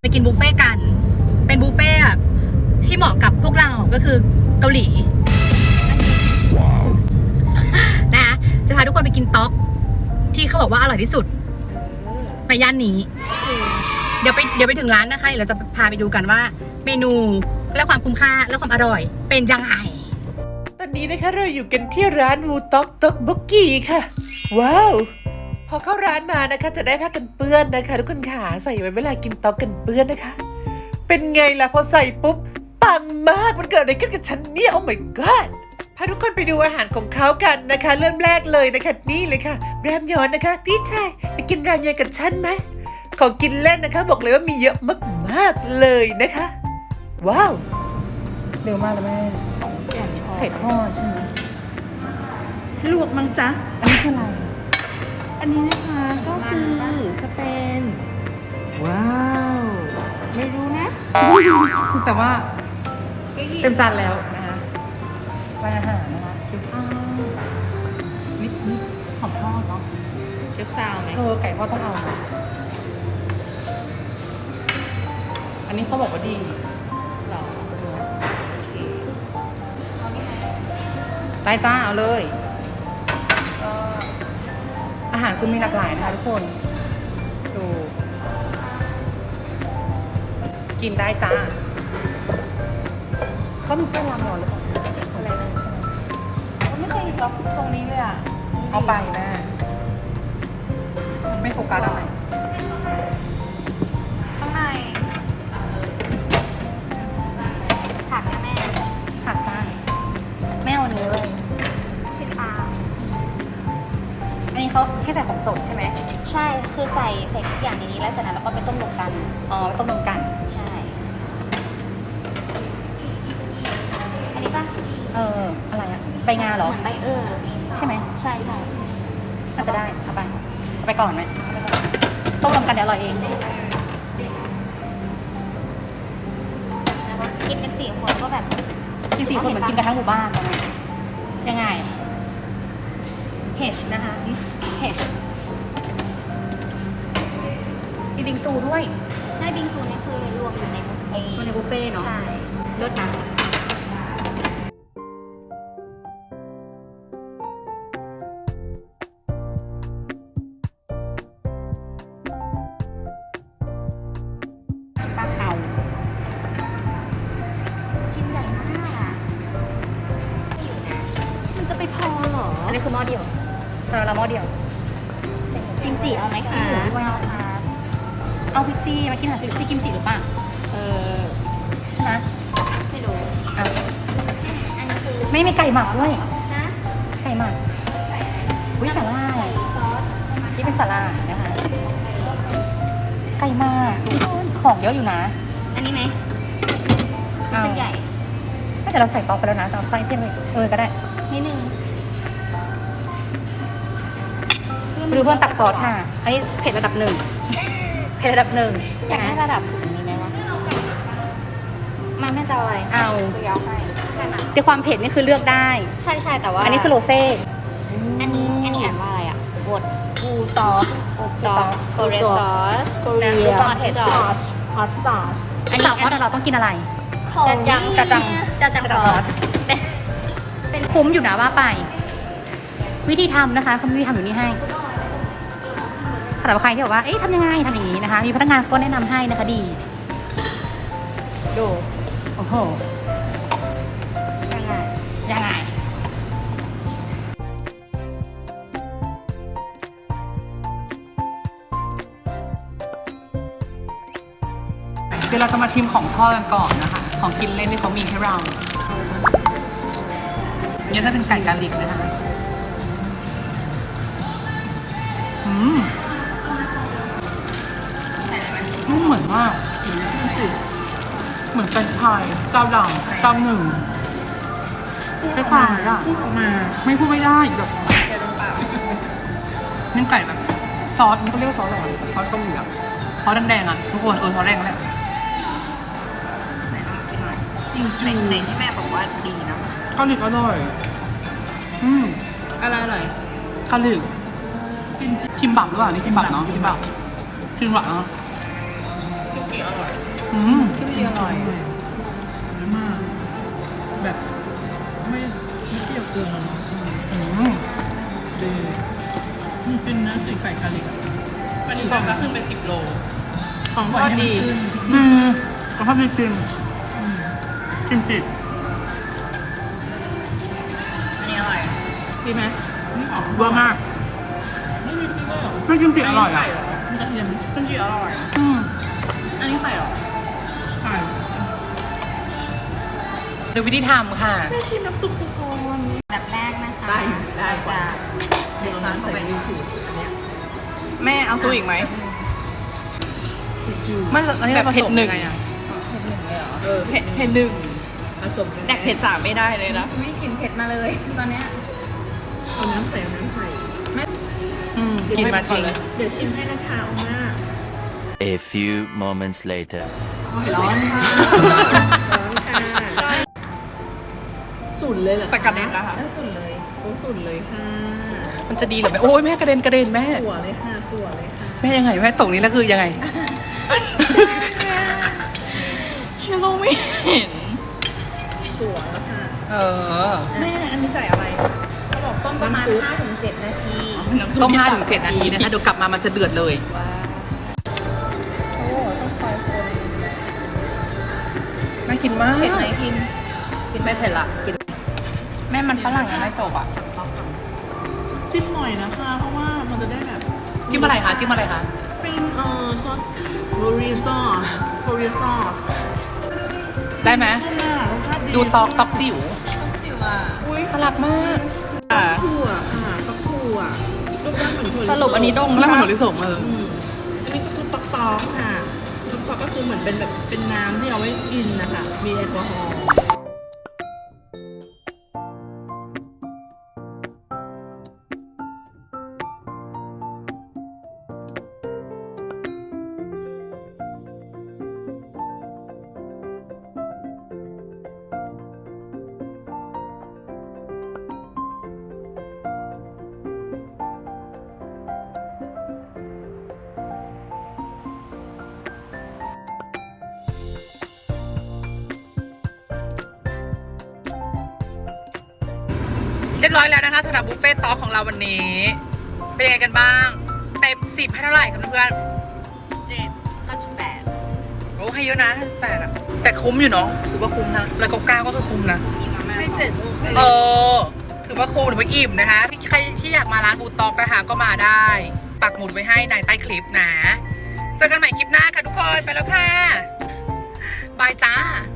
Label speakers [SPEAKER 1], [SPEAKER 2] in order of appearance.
[SPEAKER 1] กินบุฟเฟ่กันเป็นบุฟเฟ่ที่เหมาะกับพวกเราก็คือเกาหลีนะจะพาทุกคนไปกินต๊อกที่เขาบอกว่าอร่อยที่สุดในย่านนี้เดี๋ยวไปถึงร้านนะคะเราจะพาไปดูกันว่าเมนูและความคุ้มค่าและความอร่อยเป็นยังไง
[SPEAKER 2] ตอนนี้นะคะเราอยู่กันที่ร้านวูต็อกต็อกบกกี้ค่ะว้าวพอเข้าร้านมานะคะจะได้ผ้ากันเปื้อนนะคะทุกคนค่ะใส่ไว้เวลากินต๊อกกันเปื้อนนะคะเป็นไงล่ะพอใส่ปุ๊บปังมากมันเกิดอะไรขึ้นกับฉันเนี่ยโอ้ my god พาทุกคนไปดูอาหารของเขากันนะคะเริ่มแรกเลยนะคะนี่เลยค่ะแรมยอนนะคะพี่ชายไปกินแรมยอนกับฉันไหมของกินเล่นนะคะบอกเลยว่ามีเยอะมากๆเลยนะคะว้าวเร็วมากเลยแม่ไข่ทอดใช่ไหมลวกมั้งจ๊ะอันนี้คืออะไรอันนี้นะคะก็คือจะเป็นว้าวไม่รู้นะแต่ว่าเต็มจานแล้วนะคะร้านอาหารนะคะเกี๊ยวซ่านิดหอมทอดเนาะเกี๊ยวซ่าไหมไก่ทอดต้องเอาอันนี้เขาบอกว่าดีหรอได้จ้าเอาเลยอาหารคือมีหลากหลายนะคะทุกคนดูกินได้จ้าเขามีเส้นรามยอนหรือเปล่าอะไรนะเขาไม่เคยเห็นเราทรงนี้เลยอ่ะเอาไปแม่มันไม่โฟกัสอะไร
[SPEAKER 1] ข้างในผักนะแม่ผักจ้าแม่เอาเนื้อเลยชิ้นปลาอันนี้เขาแค่ใส่ของสดใช่ไหม
[SPEAKER 3] ใช่คือใส่ทุกอย่างในนี้แล้วจากนั้นเราก็ไปต้มรวมกัน
[SPEAKER 1] อ๋อต้มรวมกัน
[SPEAKER 3] ใช่อันนี้ป่ะ
[SPEAKER 1] อะไรอะใบงาเหรอ
[SPEAKER 3] เหมือนใบ
[SPEAKER 1] ใช่ไหม
[SPEAKER 3] ใช่ใช่
[SPEAKER 1] อาจจะได้เอาไปก่อนไหมต้มรวมกันเดี๋ยวอร่อยเอง
[SPEAKER 3] กินกัน4 คนก็แบบ
[SPEAKER 1] กิน4 คนเหมือนกินกันทั้งหมู่บ้านตอนนี้ยังไงเฮชนะคะเฮชมีบิงซูด้วย
[SPEAKER 3] ใช่บิงซูนี่คือรวมอยู่ในบุฟเฟ่ต์
[SPEAKER 1] ในบุฟเฟ่เนาะ
[SPEAKER 3] ใช่
[SPEAKER 1] เลิศนะปลาเผา
[SPEAKER 3] ชิ้นใหญ่มากอ่ะอยู่นะมันจะไปพอเหรอ
[SPEAKER 1] อันนี้คือหม้อเดียวสำหรับเราหม้อเดียว
[SPEAKER 3] กิมจิเอาไหมคะ
[SPEAKER 1] เอาพิซซี่มากินอาหารพิซซี่กิมจิหรือเปล่าใช่ไหม
[SPEAKER 3] ไม่รู้
[SPEAKER 1] อั
[SPEAKER 3] นนี้คือ
[SPEAKER 1] ไม่มีไก่หมักด้วย
[SPEAKER 3] นะ
[SPEAKER 1] ไก่หมักวิสาล่า
[SPEAKER 3] ซอส
[SPEAKER 1] ที่เป็นสาล่านะคะไก่หมักของเยอะอยู่นะ
[SPEAKER 3] อันนี้ไหม
[SPEAKER 1] เส้
[SPEAKER 3] นใหญ่
[SPEAKER 1] ไม่แต่เราใส่ต๊อกไปแล้วนะจะเอาไส้เส้นเลยก็ได้
[SPEAKER 3] นิดนึง
[SPEAKER 1] ดูเพื่อนตักซอสค่ะอันนี้เผ็ดระดับ 1เผ็ดระดับ 1
[SPEAKER 3] อยากให้ระดับสูงนี้ไหมวะมันไม่จะอะไร
[SPEAKER 1] เอา
[SPEAKER 3] ตัวยาวให้ใช่ไหม
[SPEAKER 1] ในความเผ็ดนี่คือเลือกได้
[SPEAKER 3] ใช่แต่ว่า
[SPEAKER 1] อันนี้คือโรเซ่
[SPEAKER 3] อันนี้อ่านว่าอะไรอ่ะบด
[SPEAKER 1] บูตอ
[SPEAKER 3] โคเรซอส
[SPEAKER 1] โคเรีย
[SPEAKER 3] ฮอตซอส
[SPEAKER 1] อันนี้ซอสเราต้องกินอะไร
[SPEAKER 3] จัดจังซอส
[SPEAKER 1] เป็นคุ้มอยู่นะว่าไปวิธีทำนะคะเขามีวิธีทำอยู่นี่ให้สำหรับใครที่บอกว่าเอ๊ะทำยังไงทำอย่างนี้นะคะมีพนักงานก็แนะนำให้นะคะดีดูโอ้โหยังไงเดี๋ยวเราจะมาชิมของทอดกันก่อนนะคะของกินเล่นที่เขามีให้เราเนี่ยจะเป็นไก่กาลิกนะคะมันเหมือนว่าเหมือนเป็นชายเจ้าดังเจ้าหนึ่งไม่ฟังเลยอ่ะมาไม่พูดไม่ได้แบบนึ่งไก่แบบซอสมันก็เรียกว่าซอสอะไรซอสเกาหลีอ่ะซอสแดงๆอ่ะทุกคนซอสแดงแหละจริงๆในที่แม่บอกว่าดีนะเกาหลีอร่อยอะไรอร่อยเกาหลีคิมบับหรือเปล่านี่คิมบับเนาะคิมบับเนาะ
[SPEAKER 2] จีอร่อย
[SPEAKER 1] ซึ่งดีอร่อย
[SPEAKER 4] มากแบบไม่เปรี้ยวเกินเนาะดีนี่เป็นน้ำใส่ไก่กะหรี่
[SPEAKER 2] วันนี้บอกก็ขึ้นเป็น10 โล
[SPEAKER 4] ของทอดดี
[SPEAKER 1] ก็ชอบจริงจริง
[SPEAKER 4] จิต
[SPEAKER 2] อันนี้อร่อย
[SPEAKER 1] ดีไหม
[SPEAKER 4] นี่ออก
[SPEAKER 1] เวอร์มาก
[SPEAKER 4] ไม่มีซีเรียล
[SPEAKER 1] ไม่จริงจริงอร่อยอ่ะ
[SPEAKER 4] กระเทียม
[SPEAKER 2] ขึ้นจีอร่อย อันนี้ไข่หรอ
[SPEAKER 4] ไก่
[SPEAKER 1] ดูวิธีทำค่ะ
[SPEAKER 2] ชิมน้ำซุปกูก่อน
[SPEAKER 3] อันดับแรกนะคะ
[SPEAKER 2] ได้
[SPEAKER 3] จะเด็ดซอสเข้าไป
[SPEAKER 2] แม่เอาซุปอีกไหม
[SPEAKER 1] มันอันนี้
[SPEAKER 2] แบบเผ็ดหนึ่ง
[SPEAKER 1] ไงอ่ะ
[SPEAKER 2] เผ็ดหนึ่งผสมแดกเผ็ด3ไม่ได้เลยนะ
[SPEAKER 3] ไม่กลิ่นเผ็ดมาเลยตอนเนี้ย
[SPEAKER 4] เอาน้ำใส่เอาน้ำใส่
[SPEAKER 1] กินมาจริง
[SPEAKER 4] เดี๋ยวชิมให้นะคะเอามา
[SPEAKER 5] A few moments later.
[SPEAKER 4] ร้อนค่ะร้อนค่ะสุดเลยเหรอ
[SPEAKER 2] แต่กระเด็นนะคะ
[SPEAKER 3] แล้วสุดเลย
[SPEAKER 4] โอ้สุดเลยค่ะ
[SPEAKER 1] มันจะดีเหรอแม่โอ้ยแม่กระเด็นแม่
[SPEAKER 4] สัวเลยค่ะสัวเลยค่ะ
[SPEAKER 1] แม่ยังไงแม่ตกนี้แล้วคือยังไง
[SPEAKER 2] ฉันก็ไม่เห็น
[SPEAKER 4] สัวแล้วค่ะ
[SPEAKER 1] เออ
[SPEAKER 3] แม่อันนี้ใส่อะไรเขาบอกต้มประมาณ 5-7 นาที
[SPEAKER 1] ต้ม5 ถึง 7 นาทีนะคะเดี๋ยวกลับมามันจะเดือดเลย
[SPEAKER 3] ว้าวโอ้ต้องคอยคน
[SPEAKER 1] น่ากินมาก
[SPEAKER 3] เผ็ดไหมพิมพ์
[SPEAKER 1] กินไม่เผ็ดละกินแม่มันฝรั่งยังไม่จบอ่ะ
[SPEAKER 4] จิ้มหน่อยนะคะ เพราะว่ามันจะได้แบบ
[SPEAKER 1] จิ้มอะไรคะจิ้มอะไรคะ
[SPEAKER 4] เป็นซอสโคเรียซอส
[SPEAKER 1] ได้ไหม
[SPEAKER 4] รสชาติดี
[SPEAKER 1] ดูตอกจิ๋ว
[SPEAKER 3] จิ๋วอ่ะ
[SPEAKER 4] อุ้ย
[SPEAKER 1] น่ารักมาก
[SPEAKER 4] ถั่วค่ะฟักถั่วรูปร่างเหมือนถั่วลิสง
[SPEAKER 2] สรุปอันนี้ดง
[SPEAKER 1] แล้วมัน
[SPEAKER 2] ปะ
[SPEAKER 1] ถั่วลิสงเออ
[SPEAKER 4] อันนี้ก็คือตอกค่ะตอกก็คือเหมือนเป็นแบบเป็นน้ำที่เอาไว้กินนะคะมีแอลกอฮอล์
[SPEAKER 1] เรียบร้อยแล้วนะคะสำหรับบุฟเฟ่ต์ต๊อกของเราวันนี้ เป็นยังไงกันบ้าง เต็ม10ให้เท่าไหร่ครับเพื่อน
[SPEAKER 3] 5.8
[SPEAKER 1] โอ้ให้เยอะนะ58อ่ะแต่คุ้มอยู่เนาะถือว่าคุ้มนะแล้วก็9ก็คือคุ้มนะ
[SPEAKER 3] มีมาม่า
[SPEAKER 4] ให้7โอเค
[SPEAKER 1] เออถือว่าคุ้มถือว่าอิ่มนะคะใครที่อยากมาร้านบูต๊อกนะคะก็มาได้ ปักหมุดไว้ให้ในใต้คลิปนะ เจอกันใหม่คลิปหน้าค่ะทุกคน ไปแล้วค่ะ บายจ้า